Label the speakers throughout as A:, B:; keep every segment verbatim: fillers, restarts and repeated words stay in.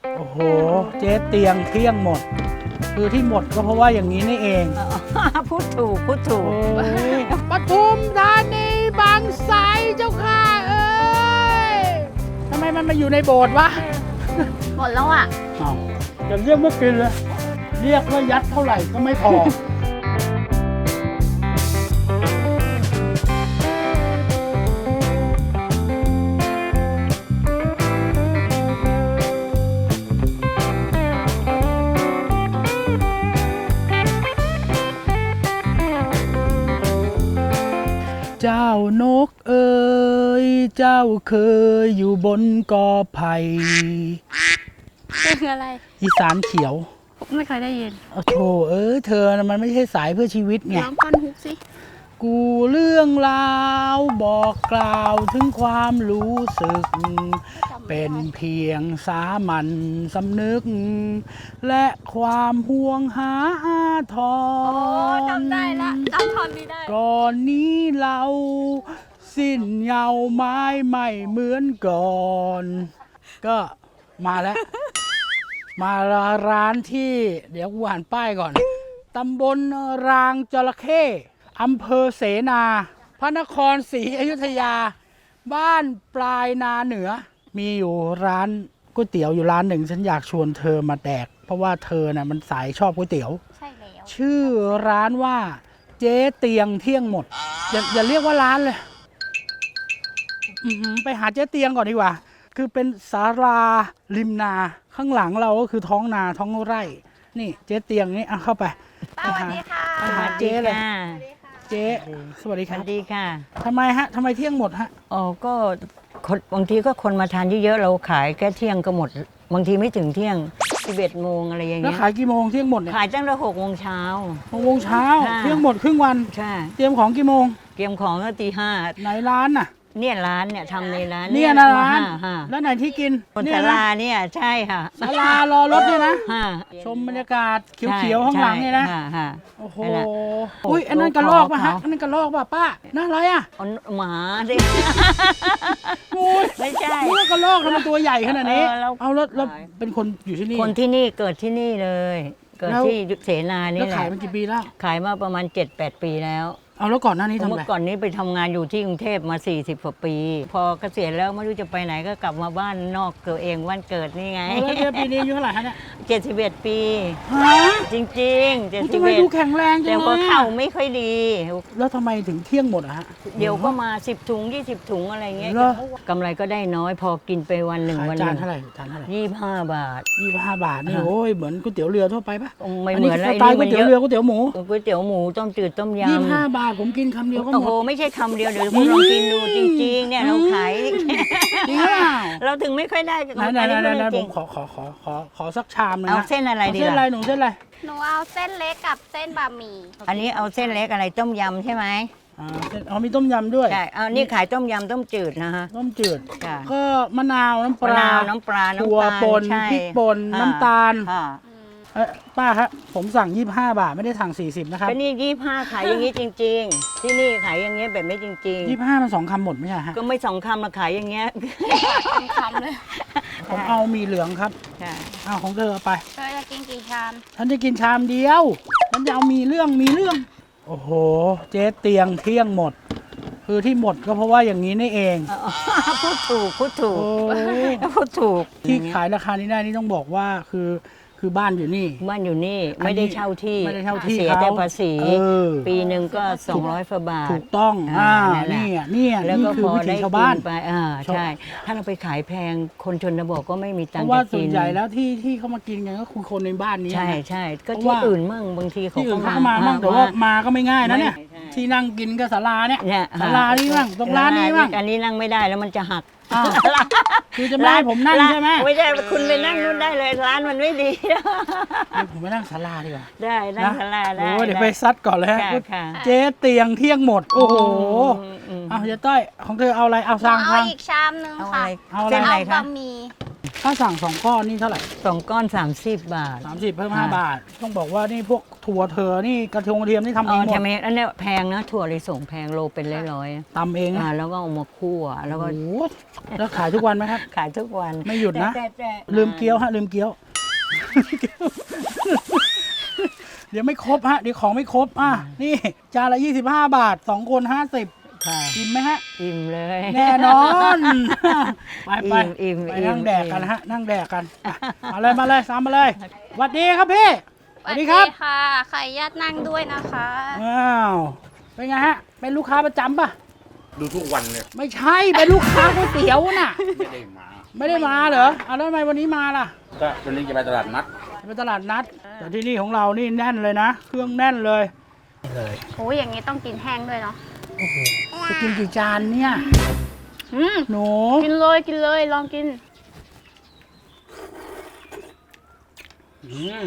A: โอ้โหเจ๊เตียงเที่ยงหมด คือที่หมดก็เพราะว่าอย่างนี้นี่เอง
B: พูดถูกพูดถูก
A: โอ้ยปทุมธานีบางไทรเจ้าค่ะเอ้ยทำไมมันมาอยู่ในโบสถ์วะ
C: หมดแล้วอ่ะ
A: อ้าวอย่าเรียกว่ากินเลยเรียกว่ายัดเท่าไหร่ก็ไม่พอ เจ้านกเอ๋ยเจ้าเคยอยู่บนกอไผ่
C: เป็นอะไร
A: อีสานเขียว
C: ไม่เคยได้ยิน
A: โอ้โธ่เอ้ยเธอน่ะมันไม่ใช่สายเพื่อชีวิตไง
C: ร้องท่อนฮุกสิ
A: กูเรื่องราวบอกกล่าวถึงความรู้สึก เป็นเพียงสามัญสำนึก และความห่วงหาอาท
C: โอ้
A: ร
C: จำได้ละจำท่อนนี้ได้
A: ก่อนนี้เราสิ้นเงาไม้ไม่เหมือนก่อน ก็มาแล้ว มาร้านที่เดี๋ยวกูอ่านป้ายก่อน ตำบลรางจระเข้อำเภอเสนา พระนครศรีอยุธยา บ้านปลายนาเหนือ มีอยู่ร้านก๋วยเตี๋ยวอยู่ร้านหนึ่ง ฉันอยากชวนเธอมาแดก เพราะว่าเธอน่ะมันสายชอบก๋วยเตี๋ยว
C: ใช่แล้ว
A: ชื่อร้านว่าเจ๊เตียงเที่ยงหมด อย่าอย่าเรียกว่าร้านเลยอื้อหือไปหาเจ๊เตียงก่อนดีกว่า คือเป็นศาลาริมนาข้างหลังเราก็คือท้องนาท้องไร่ นี่เจ๊เตียงนี่เอาเข้าไป
C: ป้าสวัสดีค่ะ
A: ไปหาเจ๊เลย
B: ค่ะ
A: เจ๊สวัสดี
B: ส
A: ครั
B: วั
A: บ
B: สดีค่ะ
A: ทำไมฮะทำไมเที่ยงหมดฮะ
B: อ๋อก็คนบางทีก็คนมาทานเยอะๆเราขายแค่เที่ยงก็หมด บางทีไม่ถึงเที่ยงสิบเอ็ดโมงอะไรอย่าง
A: แล้ว
B: เงี้ย
A: ขายกี่โมงเที่ยงหมดเนี่ย
B: ขายตั้งแต่หกโมงเช้า
A: หกโมงเช้า
B: ค่ะ
A: เที่ยงหมดครึ่งวัน
B: ใช่
A: เตรียมของกี่โมง
B: เตรียมของก็ตีห้า
A: ไหนร้านน่ะ
B: เนี่ยร้านเนี่ยทำในร้าน
A: เนี่ยนะร้าน
B: ฮะ
A: แล้วไหนที่กิน
B: บน
A: เนี่
B: ศาย
A: นะ
B: ลาเนี่ยใช่ค่ะ
A: ศาลารอรถเนี่ยนะ
B: ฮะ
A: ชมบรรยากาศเขียวๆข้างหลังเนี่ยนะ
B: ใช่ฮะ
A: โอ้โห
B: นั่นแหละ
A: อุ้ยอันนั้นกระลอกป่ะฮะ
B: เขา
A: อันนั้นกระลอกป่ะป้าน่าอะไรอ่ะ
B: เอาหมาสิ
A: โอ้ย
B: ไม่ใช่
A: นึกว่ากระลอกทำไมตัวใหญ่ขนาดนี้
B: เออเรา
A: เอาแล้วแล้วเป็นคนอยู่ที่นี่
B: คนที่นี่เกิดที่นี่เลย เกิด
A: แล้ว
B: ที่เสนานี่
A: แล้ว
B: แหละ
A: ขายมากี่ปีแล้ว
B: ขายมาประมาณ เจ็ดแปด ปีแล้ว
A: เอาแล้วก่อนหน้านี้ทำ
B: เมื่
A: อะไร
B: อก่อนนี้ไปทำงานอยู่ที่กรุงเทพมา สี่สิบกว่าปี พอเกษียณแล้วไม่รู้จะไปไหนก็กลับมาบ้านนอกตัวเองวันเกิดนี่ไง
A: เอาแล้วเจ๊ปีนี้อายุเท่าไหร่ฮะเนี่ย
B: เจ็ดสิบเอ็ด ปี
A: ฮะ
B: จริงๆเจ็ด
A: อุ๊ย
B: สิ
A: ทำ
B: บ
A: ไม
B: เอ็ด
A: ดูแข็งแรงจั
B: แต่
A: ง
B: หั
A: เล
B: วย เข่า
A: อะ
B: ไม่ค่อยดี
A: แล้วทำไมถึงเที่ยงหมดอะฮะ
B: เดี๋ยวก็มาสิบถุงยี่สิบถุงอะไรเงี้ย
A: เหรอ
B: กำไรก็ได้น้อย พอกินไปวันหนึ่ง
A: ขาย
B: วันห
A: จาน
B: นึ่ง
A: เท่าไหร่จานเท่าไหร่
B: ยี่สิบห้าบาท
A: ยี่สิบห้าบาทนี่
B: อ่า
A: โอ้ยเหมือนก๋วยเตี๋ยวเรือทั่วไปปะ
B: ไม่
A: อัน
B: เห
A: นี้
B: มือน
A: ส
B: ไอ้
A: ไตล์
B: นี่
A: ก๋วย
B: มัน
A: เตี๋
B: เย
A: ยว
B: อะ
A: เรือก๋วยเตี๋ยวหมู
B: ก๋วยเตี๋ยวหมูต้มจืดต้มยำ
A: ยี่สิบห้าบาทผมกินคำเดียวก็ห
B: โอ้
A: ม
B: โห
A: ด
B: ไม่ใช่คำเดียวเดี๋ยวคุณลองกินดูจริง ๆ เนี่ยเราขาย
A: จริงหรือเปล่า
B: เราถึงไม่ค่อยได้
A: ไหนไหนไหนไหนไหน
B: จ
A: ผ
B: ริง
A: มขอขอขอขอขอสักชามหนึง
B: เอา
A: นะ
B: เส้นอะไรดี
A: เส้นอะไร
B: ล่ะ
A: หนูเส้นอะไร
C: หนูเอาเส้นเล็กกับเส้นบะหมี่
B: อันนี้เอาเส้นเล็กอะไรต้มยำใช่ไหม
A: อ่าเส้นอ๋อมีต้มยำด้วย
B: ใช่เอานี่ขายต้มยำต้มจืดนะฮะ
A: ต้มจืด
B: จ้ะ
A: ก็มะนาวน้ำป
B: มะ
A: ลา
B: นาวน้ำปลา
A: ถั่ว
B: น้ำตาล
A: ป่น
B: ใช่
A: พริกป่น
B: อ่
A: น้ำตาล
B: ค่ะ
C: อืม
A: เอ้ยป้าครับผมสั่งยี่สิบห้าบาทไม่ได้สั่งสี่สิบนะครับ
B: ก็นี่ยี่สิบห้าขายอย่างนี้จริง ๆ ที่นี่ขายอย่างเงี้ยแบบไม่จริง
A: ยี่สิบห้ามันสองคำหมดไม่ใช่ฮะ
B: ๆ ก็ไม่สองคำมาขายอย่างเงี้ย
C: เป็นคำเลย
A: ผมเอาหมีเหลืองครับ
B: ใช่
A: เอาของเธอเอาไป
C: เธอจะกินกี่ชาม
A: ฉันจะกินชามเดียวฉันจะเอามีเรื่องมีเรื่อง โอ้โห เจ๊เตียงเที่ยงหมด คือที่หมดก็เพราะว่าอย่างนี้นี่เอง
B: พูดถูกพูดถูก
A: โอ้ย
B: พูดถูก
A: ที่ขายราคานี้ได้นี่ต้องบอกว่าคือคือบ้านอยู่นี่
B: บ้านอยู่นี่
A: อันนี้
B: ไม่ได้เช่าที่
A: ไม่ได้เช่าที่
B: เสีย
A: เขา
B: แต่ภาษี
A: เออ
B: ปีหนึ่งก็สองร้อยกว่าบาท
A: ถูกต้อง
B: อ่า
A: อ่า
B: นั่นแหละ
A: นี่อ่ะนี่อ่ะ
B: แล้ว
A: นี่
B: ก็
A: คือ
B: พอ
A: วิถี
B: ได้
A: ชาวบ้าน
B: กิไปอ่า
A: ชาว
B: ใช่ ถ้าเราไปขายแพงคนชนบทก็ไม่มี
A: เพ
B: ตัง
A: ราะ
B: ค์
A: ว่า
B: จะ
A: ส่
B: กิ
A: วน
B: น
A: ใหญ่แล้วที่ที่เขามากินกันก็คือคนในบ้านนี้
B: ใช่
A: นะ
B: ใช่ก็
A: เพราะ
B: ที่
A: ว่า
B: อื่นมั่งบางทีเขา
A: ที่อื่น
B: ก็
A: เขาก็มาบ้างแต่ว่ามาก็ไม่ง่ายนะเนี่ย
B: ไม่ใช่
A: ที่นั่งกินก็ศาลาเนี่ย
B: เนี่ย
A: ศาลานี่บ้างตรงร้านนี้บ้าง
B: อันนี้นั่งไม่ได้แล้วมันจะหัก
A: อ้าวคือจะไม่ให้ผมนั่งใช่ไหม
B: ไม่ใช่คุณไปนั่งนู่นได้เลยร้านมันไม่ดี
A: ผมไปนั่งศาลาดีกว่า
B: ได้นั่งศาลาได้
A: โอ้เดี๋ยวไปซัดก่อนเลยฮะ
B: ค่ะค่ะ
A: เจ๊เตียงเที่ยงหมด โอ้โห
B: อืมอืม
A: เอาเจ๊ต้อยของเธอเอาอะไรเอา
C: หนู
A: สั่ง
C: เอา
A: สั่ง
C: อีกชามหนึง
B: เอาอะ
C: ค่ะ
B: ไร
A: เอาอะไร
B: เส้นอะไร
C: เอา
B: คะ
C: บะหมี่
A: ถ้าสั่งสองก้อนนี่เท่าไหร่
B: สองก้อนสามสิบบาท
A: สามสิบเพิ่มห้า
B: ค่ะ
A: บาท ต้องบอกว่านี่พวกถั่วเธอนี่กระเทียมกระเทียมนี่ทำ
B: เอ
A: เอง
B: อ
A: หมด
B: ทำเองอันเนี้ยแพงนะถั่วลิสงแพงโลเป็นร้อย
A: ตำเอง
B: ๆ
A: นะ
B: อ่าแล้วก็เอามาคั่วแล้วก็
A: โอ้โหแล้วขายทุกวันไหมครับ
B: ขายทุกวัน
A: ไม่หยุดนะ
B: แต่แต่แต่
A: ลืมเกี๊ยวฮะลืมเกี๊ยว เดี๋ยวไม่ครบฮะเดี๋ยวของไม่ครบอ่ะนี่จานละยี่สิบห้าบาทสองคนห้าสิบ
B: ค่ะ
A: กินไหมฮะ
B: อิ่มเลย
A: แน่นอน ไปไป
B: อิ่ม
A: ไป
B: อิ่ม
A: นั่งแดกกัน
B: อิ่ม
A: นะฮะ นั่งแดกกันอ่ะมาเลยมาเลยซ้ำมาเลยสวัสดีครับพี่สวัสดีครับ
C: ค่ะไข่ญาตินั่งด้วยนะคะ
A: ว้าวเป็นไงฮะ เป็นลูกค้าประจำป่ะ
D: ดูทุกวันเลย
A: ไม่ใช่เป็นลูกค้าก๋วยเตี๋ยวน่ะ
D: ไม่ได้มา
A: ไม่ได้มาเหรออ่ะแล้วทำไมวันนี้มาล่ะ
D: ก็วันนี้จะไปตลาดนัด
A: ไปตลาดนัด แต่ที่นี่ของเรานี่แน่นเลยนะ เครื่องแน่นเลยเลย
C: โอ้ยอย่างนี้ต้องกินแห้งด้วยเนาะ
A: โอ้โหจะกินกี่จานเนี่ย
C: อืม
A: หนู
C: กินเลยกินเลยลองกิน
D: อืม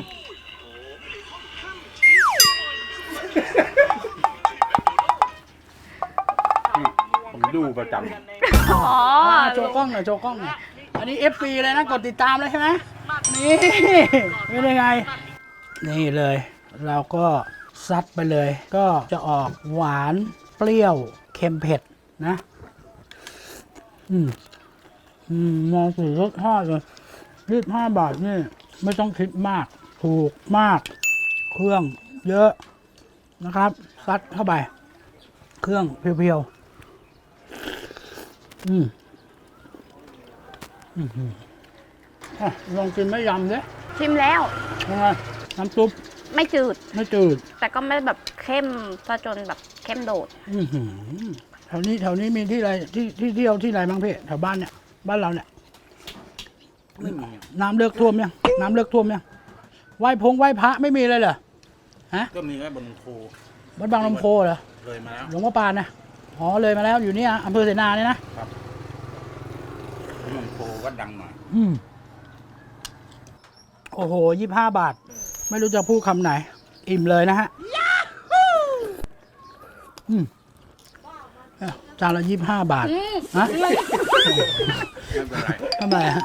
D: ผมดูประจ
C: อ๋อ
A: อ่าโชว์กล้องหน่อยโชว์กล้องหน่อยอันนี้ เอฟ ซี เลยนะ กดติดตามเลยใช่ไหมนี่เป็นยังไง นี่เลย เราก็ซัดไปเลย ก็จะออกหวานเปรี้ยวเค็มเผ็ดนะ อืม อืม มองถึงรสชาติเลยยี่สิบห้าบาทนี่ ไม่ต้องคิดมาก ถูกมาก เครื่องเยอะนะครับ ซัดเข้าไป เครื่องเพียวๆ อืม อืมอืมอ่ะลองกินไม่ยำดิ
C: ชิมแล้ว
A: เป็นไงน้ำซุป
C: ไม่จืด
A: ไม่จืด
C: แต่ก็ไม่แบบเข้มซะจนแบบเข้มโดด
A: อื้อหือแถวนี้แถวนี้มีที่อะไรที่ที่เที่ยวที่ไหนบ้างพี่แถวบ้านเนี่ย บ้านเราเนี่ย
D: ำไม่มีอะ
A: น้ำเลิกท่วมยังน้ำเลิกท่วมยังไหว้พงไหว้พระไม่มีเลยเหรอ
D: ก็มีแค่บนโค
A: วัดบางลำโพเหรอ
D: เลยมาแล้ว
A: หลวงพ่อปานนะอ๋อเลยมาแล้วอยู่นี่อ่ะอำเภอเสนาเนี่ยนะ
D: บนโคก็ดังหน่อย
A: อืมโอ้โหยี่ห้าบาท ไม่รู้จะพูดคำไหน อิ่มเลยนะฮะอืมเอ้าจานละยี่ห้าบาทฮะ
D: ไม่เป็นไร
A: ทำไมฮะ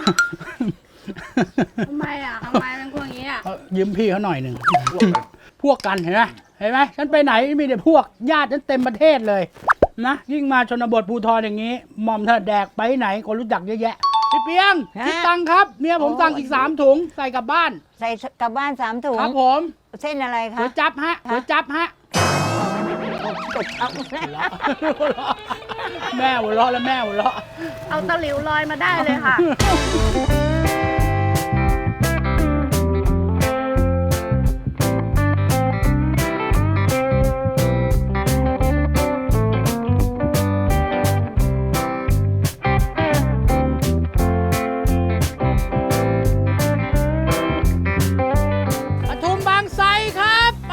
C: ทำไมอ่ะทำไมเป็นพวกนี้อ่ะ
A: เอายืมพี่เขาหน่อยหนึ่ง
D: พวกกัน
A: พวกกันเห็นไหมเห็นไหมฉันไปไหนมีแต่พวกญาติฉันเต็มประเทศเลยนะยิ่งมาชนบทภูทรอย่างนี้หม่อมเธอแดกไปไหนคนรู้จักเยอะแยะพี่เปียง
B: ฮะ
A: คิดตังค์ครับเมียผมสั่งอีกสามถุงใส่กลับบ้าน
B: ใส่กลับบ้านสามถุง
A: ครับผม
B: เส้นอะไรคะ
A: เดี๋ยวจับฮะเดี๋ยวจับฮะ
B: เอา
A: แม่หัวเราะแล้วแม่หัวเราะ
C: เอาตะหลิวลอยมาได้เลยค่ะ
A: ปทุมบางไทรครับไป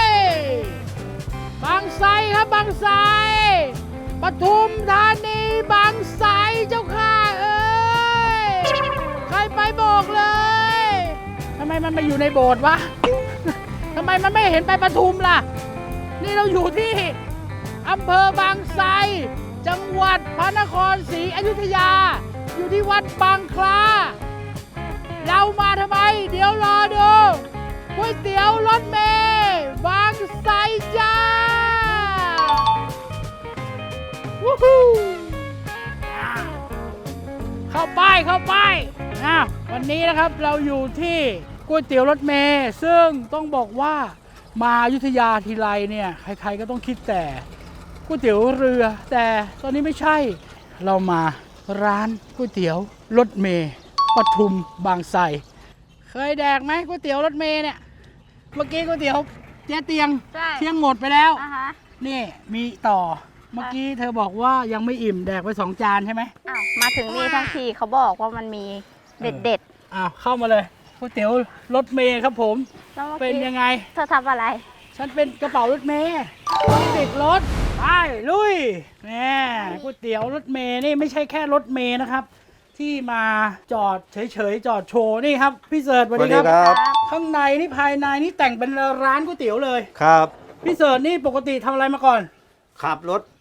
A: บางไทรครับบางไทรปทุมธานีบางไทรเจ้าค่ะเอ้ยใครไปบอกเลยทำไมมันมาอยู่ในโบสถ์วะ ทำไมมันไม่เห็นไปปทุมล่ะ นี่เราอยู่ที่อำเภอบางไทรจังหวัดพระนครศรีอยุธยา อยู่ที่วัดบางคลาเรามาทำไม เดี๋ยวรอดูก๋วยเตี๋ยวรถเมล์บางไทรจ้าวู้ฮู้อ่าเข้าป้ายเข้าป้ายอ่ะวันนี้นะครับเราอยู่ที่ก๋วยเตี๋ยวรถเมล์ซึ่งต้องบอกว่ามาอยุธยาทีไรเนี่ยใครๆก็ต้องคิดแต่ก๋วยเตี๋ยวเรือ แต่ตอนนี้ไม่ใช่เรามาร้านก๋วยเตี๋ยวรถเมล์ปทุมบางไทรเคยแดกไหมก๋วยเตี๋ยวรถเมล์เนี่ยเมื่อกี้ก๋วยเตี๋ยวเจ๊เตียง
C: ใช่
A: เที่ยงหมดไปแล้ว
C: อ่ะฮะ
A: นี่มีต่อเมื่อกี้เธอบอกว่ายังไม่อิ่มแดกไปสองจานใช่ไหม
C: อ้าวมาถึงนี่ทั้งทีเขาบอกว่ามันมีเด็ดเด็ด
A: อ้าวเข้ามาเลยก๋วยเตี๋ยวรถเมย์ครับผม
C: ๆแล้วเมื่อ
A: เป็น
C: กี้
A: ยังไง
C: เธอทำอะไร
A: ฉันเป็นกระเป๋ารถเมย์ติดรถไปลุยแม่ก๋วยเตี๋ยวรถเมย์นี่ไม่ใช่แค่รถเมย์นะครับ ที่มาจอดเฉยๆจอดโชว์นี่ครับพี่เสิร์ชสวัสดีครับ ข้างในนี่ภายในนี่แต่งเป็นร้านก๋วยเตี๋ยวเลย
E: ครับ
A: พี่เสิร์ชนี่ปกติทำอะไรมาก่อน
E: ขับรถ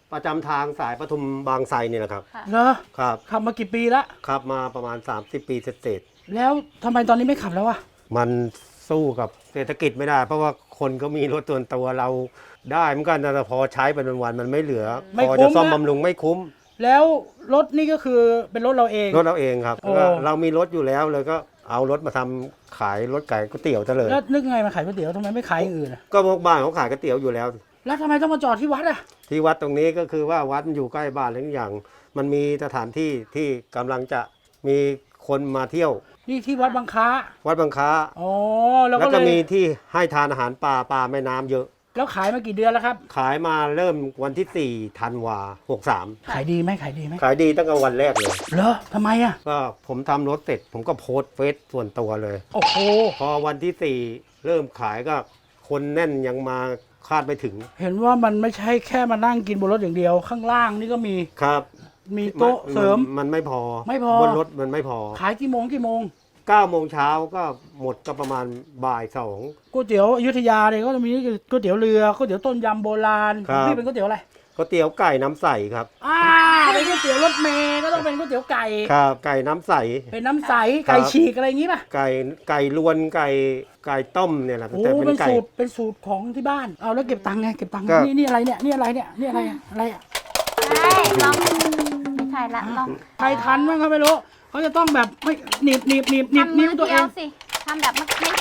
E: ประจำทางสายปทุมบางไทรนี่แหละครับ
C: ค่ะ
A: เหรอ
E: ครับ
A: ขับมากี่ปีละ
E: ขับมาประมาณ สามสิบ ปีเศษ
A: แล้วทำไมตอนนี้ไม่ขับแล้วอะ
E: ๆมันสู้กับเศรษฐกิจไม่ได้ เพราะว่าคนก็มีรถตัวนตัวเราได้เหมือนกันแต่พอใช้ไปวันๆมันไม่เหลือ
A: ไม่
E: พอ
A: คุ้
E: จะ
A: ม
E: ซ่อม
A: นะ
E: บำรุงไม่คุ้ม
A: แล้วรถนี่ก็คือเป็นรถเราเอง
E: รถเราเองครับ
A: โอ้
E: แล้วก็เรามีรถอยู่แล้วเลยก็เอารถมาทำขายรถไก่ก๋วยเตี๋ยวซะเลย
A: แล้วนึกไงมาขายก๋วยเตี๋ยวทำไมไม่ขายอย่างอื่นอะ
E: ก็พวกบ้านเขาขายก๋วยเตี๋ยวอยู่แล้ว
A: แล้วทำไมต้องมาจอดที่วัดอะ
E: ที่วัดตรงนี้ก็คือว่าวัดมันอยู่ใกล้บ้านหรืออย่าง มันมีสถานที่ที่กำลังจะมีคนมาเที่ยว
A: นี่ที่วัดบางค้า
E: วัดบางค้า
A: อ๋อแล้ว
E: แล้ว
A: ก็
E: ก็
A: เลย
E: มีที่ให้ทานอาหารปลาปลาแม่น้ำเยอะ
A: แล้วขายมากี่เดือนแล้วครับ
E: ขายมาเริ่มวันที่สี่ธันวาหกสาม
A: ขายดีไหมขายดีไหม
E: ขายดีตั้งแต่วันแรกเลย
A: เหรอทำไมอะ
E: ก็ผมทำรถเสร็จ ผมก็โพสต์เฟซส่วนตัวเลย
A: โอ้โห
E: พอวันที่สี่เริ่มขายก็คนแน่นยังมาคาดไม่ถึง
A: เห็นว่ามันไม่ใช่แค่มานั่งกินบนรถอย่างเดียว ข้างล่างนี่ก็มี
E: ครับ
A: มีโต๊ะเสริม
E: นมันไม่พอ
A: ไม่พอ
E: บนรถมันไม่พอ
A: ขายกี่โมงกี่โมง
E: เก้าโมงเช้าก็หมดก็ประมาณบ่ายสอง
A: ก๋วยเตี๋ยวอยุธยาเนี่ยก็จะมีก๋วยเตี๋ยวเรือก๋วยเตี๋ยวต้มยำโบราณ
E: ครับ
A: พี่เป็นก๋วยเตี๋ยวอะไร
E: ก๋วยเตี๋ยวไก่น้ำใสครับ
A: อ่าเป็นก๋วยเตี๋ยวรถเมย์ก็ต้องเป็นก๋วยเตี๋ยวไก่
E: ครับไก่น้ำใส
A: เป็นน้ำใสไก่ฉีกอะไรอย่างงี้ป่ะ
E: ไก่ไก่ลวนไก่ไก่ต้มเนี่ยแหละ
A: โอ้
E: แต่เป็
A: เป็น
E: นไก่
A: สูตรเป็นสูตรของที่บ้านเอาแล้วเก็บตังค์ไงเก็บตังค์
E: ก็
A: นี่นี่อะไรเนี่ยนี่อะไรเนี่ยนี่อะไรอะอะไรอะ
C: ใช่ลองไม่ใช่ละลอง
A: ใครทันบ้างเขาไม่รู้เขาจะต้องแบบไม่หนีบหนีบหนีบหนีบ
C: ทำมื
A: นิ้
C: อ
A: วตัวเอ
C: เดียว
A: ง
C: สิทำแบบเมื่อกี้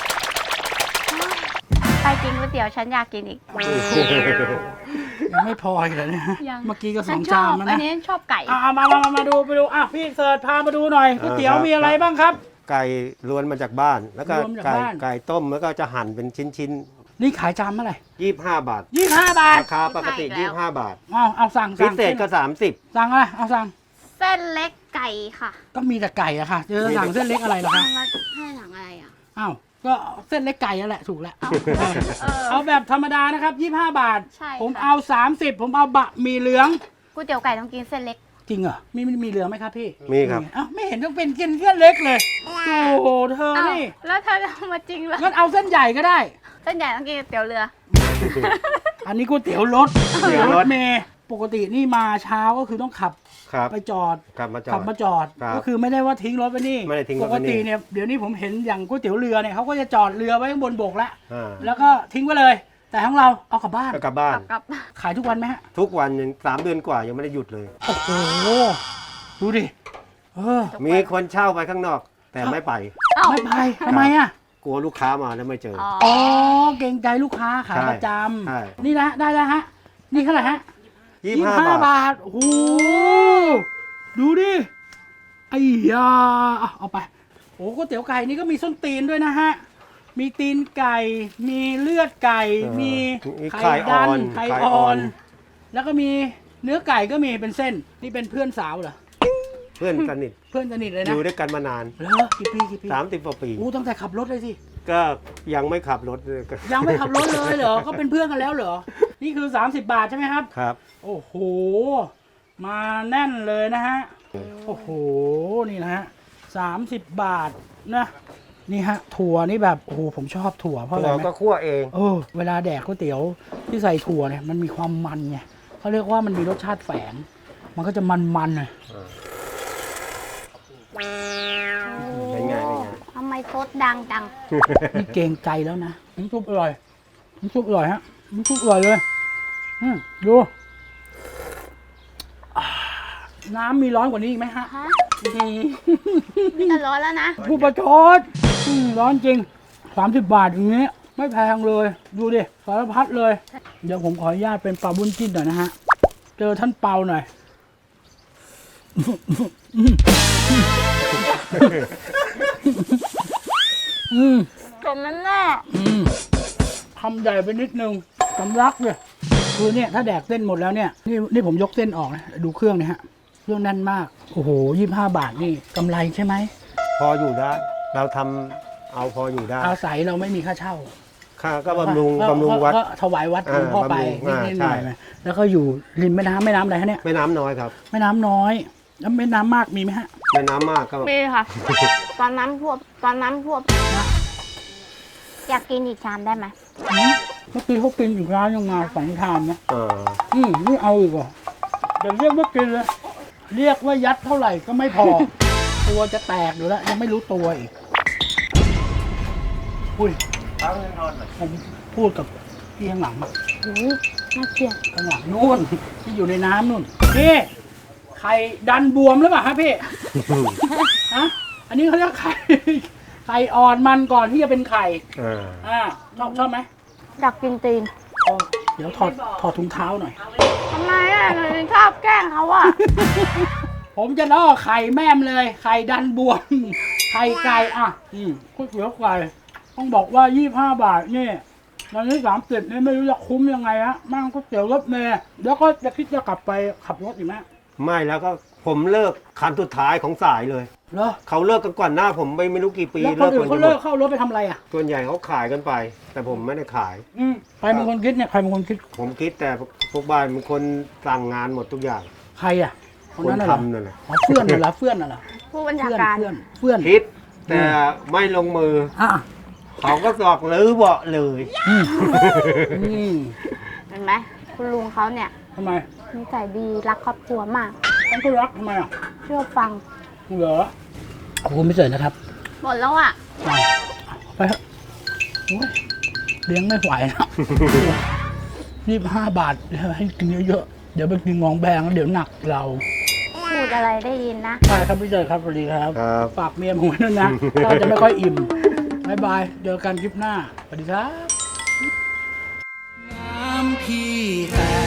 C: ไปกินก๋วยเตี๋ยวฉันอยากกินอีก
A: ยังไม่พออีกเลยเนี่ย
C: ยัง
A: เมื่อกี้ก็ส
C: ฉั
A: อน ง
C: ช
A: จา
C: อบ
A: นแล้ว
C: อัน
A: นะ
C: นี้ชอบไก่
A: อ่ามามามามาดูไปดูอ่ะพี่เสิร์ชพามาดูหน่อยก๋วยเตี๋ยวมีอะไรบ้างครับ
E: ไก่ล้วนมาจากบ้าน แล้วก็
A: รวมจาก
E: ไก่
A: บ้าน
E: ไก่ต้มแล้วก็จะหั่นเป็นชิ้น
A: นี่ขายจานเท่าไหร่
E: ๆยี่สิบห้าบาท
A: ยี่สิบห้าบาท
E: ราคาปกติยี่สิบห้าบาท
A: เอาเอาสั่ง
E: พิ
A: สั่ง
E: เศษก็สามสิบ
A: สั่งอะไรเอาสั่ง
C: เส้นเล็กไก่ค่ะ
A: ก็มีแต่ไก่อะค่ะจะสั่งเส้นเล็กอะไรเหรอคะ
C: แล้วให้หลังอะไรอ่ะ
A: อ้าวก็เส้นเล็กไก่นั่นแหละถูกแล้ว
C: เอาเออ
A: เอาแบบธรรมดานะครับยี่สิบห้าบาท
C: ใช่
A: ผม
C: ค่ะ
A: เอาสามสิบผมเอาบะหมี่เหลือง
C: ก๋วยเตี๋ยวไก่ต้องกินเส้นเล็ก
A: จริงเหรอมีมีมีเหลืองไหมครับพี่
E: มีครับ
A: อ้าวไม่เห็นต้องเป็นเส้นเส้นเล็กเลยโอ้โหเธอ
C: อ้าว
A: นี่
C: แล้วเธอจะเอามาจริงเหรอ
A: งั้นเอาเส้นใหญ่ก็ได้
C: เส้นใหญ่ต้องกินก๋วยเตี๋ยวเรือ
A: อันนี้ก๋วยเตี๋ยวรถก๋วยเตี๋ยวรถเมย์ปกตินี่มาเช้าก็คือต้องขับ
E: ครับ
A: ไปจอด
E: กลับมาจอ
A: ขั
E: ด
A: บมาจอด
E: ครับ
A: ก็คือไม่ได้ว่าทิ้งรถไว้นี่
E: ไม่ได้ทิ้งร
A: ป
E: ถ
A: ก
E: ไว้นี่
A: ติเนี่ยเดี๋ยวนี้ผมเห็นอย่างก๋วยเตี๋ยวเรือเนี่ยเขาก็จะจอดเรือไว้ข้างบนบกแล้ว
E: อ่า
A: แล้วก็ทิ้งไว้เลย แต่ของเราเอากลับบ้าน
E: ก็กลับบ้าน
C: กับ
A: ขายทุกวันไหมฮะ
E: ทุกวันยังสามเดือนกว่ายังไม่ได้หยุดเลย
A: โอ้โหดูดิเออ
E: มีคนเช่าไปข้างนอก แต่ไม่ไป
C: เอ้า
A: ไม่ไปทำไมอ่ะ
E: กลัวลูกค้ามาแล้วไม่เจอ
C: อ๋อ
A: อ๋อเกรงใจลูกค้าขา
E: ใช่
A: ประจ
E: ใช่
A: ำนี่นะได้แล้วฮะ นี่เท่าไหร่ฮะ
E: ยี่สิบห้าบาท
A: ทโอ้โหดูดิไอ้ยาเอาเอาไปโอ้ก๋วยเตี๋ยวไก่นี่ก็มีส้นตีนด้วยนะฮะ มีตีนไก่ มีเลือดไก่
E: เออ
A: มี
E: มี
A: ไข่
E: ไข่
A: ดัน
E: อ่อน
A: ไข่
E: ไข่
A: อ่
E: อ่
A: อ
E: อน น
A: แล้วก็มีเนื้อไก่ก็มีเป็นเส้น นี่เป็นเพื่อนสาวเหรอ
E: เพื่อนสนิท
A: เพื่อนสนิทเลย
E: อ
A: นะ
E: ยู่ด้วยกันมานาน
A: แล้วกี่ปีกี่ปี
E: สามสิบกว่าปี
A: อู้ตั้งแต่ขับรถเลยสิ
E: ก็ยังไม่ขับรถเลยก็
A: ยังไม่ขับรถเลยเหรอ ก็เป็นเพื่อนกันแล้วเหรอ นี่คือ 30 บาทใช่ไหมครับ
E: ครับ
A: โอ้โห มาแน่นเลยนะฮะ โอ้โห นี่นะฮะสามสิบบาทนะ นี่ฮะ ถั่วนี่แบบ โอ้โห ผมชอบถั่วเพราะอะไร
E: เรา
A: ไหม
E: ก็คั่วเอง
A: เออ เวลาแดกก๋วยเตี๋ยวที่ใส่ถั่วเนี่ย มันมีความมันไงเขาเรียกว่ามันมีรสชาติแฝง มันก็จะมันๆหน่อย
E: เป็นไงเป็นไง
C: ทำไมโซดดังจัง
A: นี่เกรงใจแล้วนะน้ำซุปอร่อยน้ำซุปอร่อยฮะน้ำซุปอร่อยเลย อืมดูอ่าน้ำมีร้อนกว่านี้อีกไหมฮะ
C: ฮะ
A: อืม
C: นี่ก็ร้อนแล้วนะ
A: ผู้ประชดอืมร้อนจริงสามสิบบาทอย่างนี้ ไม่แพงเลย ดูดิสารพัดเลย เดี๋ยวผมขออนุญาตเป็นปลาบุญจิ้นหน่อยนะฮะ เจอท่านเปาหน่อย อืม
C: จมนั่นแน่
A: อืมคำใหญ่ไปนิดนึงสำลักเลยคือเนี่ยถ้าแดกเส้นหมดแล้วเนี่ยนี่นี่ผมยกเส้นออกนะดูเครื่องนะฮะเครื่องแน่นมากโอ้โหยี่ห้าบาทนี่กำไรใช่ไหม
E: พออยู่ได้ เราทำเอาพออยู่ได้
A: อาศัยเราไม่มีค่าเช่า
E: ค่าก็บำรุง
A: ก็
E: บำรุงวัด
A: ก็ถวายวัดหลวงพ่อไป
E: อ่า
A: นิด
E: บำรุง
A: ๆหน่อย
E: อ่าใช่
A: ๆแล้วก็อยู่ริมแม่น้ำแม่น้ำอะไรฮะเนี่ย
E: แม่น้ำน้อยครับ
A: แม่น้ำน้อยแล้วแม่น้ำมากมีไหมฮะ
E: แม่น้ำมากก็
C: มีค่ะ ตอนน้ำท่วมตอนน้ำท่วมอยากกินอีกชามได้ไหม
A: อืมเมื่อกี้เขากินอีกร้านยังมาสองชามนะ
E: อ่า
A: อืมนี่เอาอีกเหรอเดี๋ยวเรียกว่ากินเลย เรียกว่ายัดเท่าไหร่ก็ไม่พอ ตัวจะแตกอยู่แล้ว ยังไม่รู้ตัวอีก อุ้ยผมพูดกับพี่ข้างหลังอะ
C: อุ้ยน่าเกลียด
A: ข้างหลังนู่นที่อยู่ในน้ำนู่นพี่ไข่ดันบวมหรือเปล่าฮะพี่ ฮะอันนี้เขาเรียกไข่ ไข่อ่อนมันก่อนที่จะเป็นไข่
E: อ่า
A: อ่าชอบชอบไหม
C: อยากกินตีน
A: เอาเดี๋ยวถอดถอดถุงเท้าหน่อย
C: ทำไมอ่ะหนูชอบแกล้งเขาอ่ะ
A: ผมจะล่อไข่แม่มเลย ไข่ดันบวม ไข่ไก่อ่ะ อืมก๋วยเตี๋ยวไก่ต้องบอกว่ายี่สิบห้าบาทนี่ตอนนี้สามสิบนี่ไม่รู้จะคุ้มยังไงฮะแม่งก๋วยเตี๋ยวรถเมล์แล้วก็จะคิดจะกลับไปขับรถอีกไหม
E: ไม่แล้วก็ผมเลิกคันสุดท้ายของสายเลย
A: เหรอ
E: เขาเลิกกันก่อนหน้าผมไปไม่รู้กี่ปี
A: แล้วคนอื่น
E: กั
A: เขา
E: หม
A: เลิ
E: ด
A: กเข้ารถไปทำอะไรอ่ะ
E: ส่วนใหญ่เขาขายกันไป แต่ผมไม่ได้ขาย
A: อืมใครเป็นคนคิดเนี่ยใครเป็นคนคิด
E: ผมคิดแต่พวกบ้านเป็นคนสั่งงานหมดทุกอย่าง
A: ใครอ่ะคน
E: คน
A: นั้นน่ะเหรอ
E: ทำนั่นแหละ
A: อ๋อเพื่อนน่ะเหรอเพื่อนน่ะเหรอ
C: ผู้บัญชา
A: เพื่อน
C: การ
A: เพื่อนเพื่อน
E: คิดแต่ไม่ลงมือ
A: อ่ะ
E: เขาก็สอกลือเบาะเลย
A: อืมอืม
C: เห็นไหมคุณลุงเขาเนี่ย
A: ทำไม
C: นิสัยดีรักครอบครัวมาก
A: ท่านก็รักทำไมอ่ะ
C: เชื่อฟัง
A: เหรอขอบคุณพิเศษนะครับ
C: หมดแล้วอ่ะ
A: อ่ะไปเถอะโอ้ยเลี้ยงไม่ไหวแล้วยี่สิบห้าบาทเดี๋ยวให้กินเยอะๆเดี๋ยวไปกินงองแบงแล้วเดี๋ยวหนักเรา
C: พูดอะไรได้ยินนะ
A: ใช่ครับพี่เจยครับสวัสดีครับ
E: ครับ
A: ฝากเมียผมไว้ด้วยนะเราจะไม่ค่อยอิ่มบายบายเจอกันคลิปหน้าสวัสดีครับน้ำพี่แต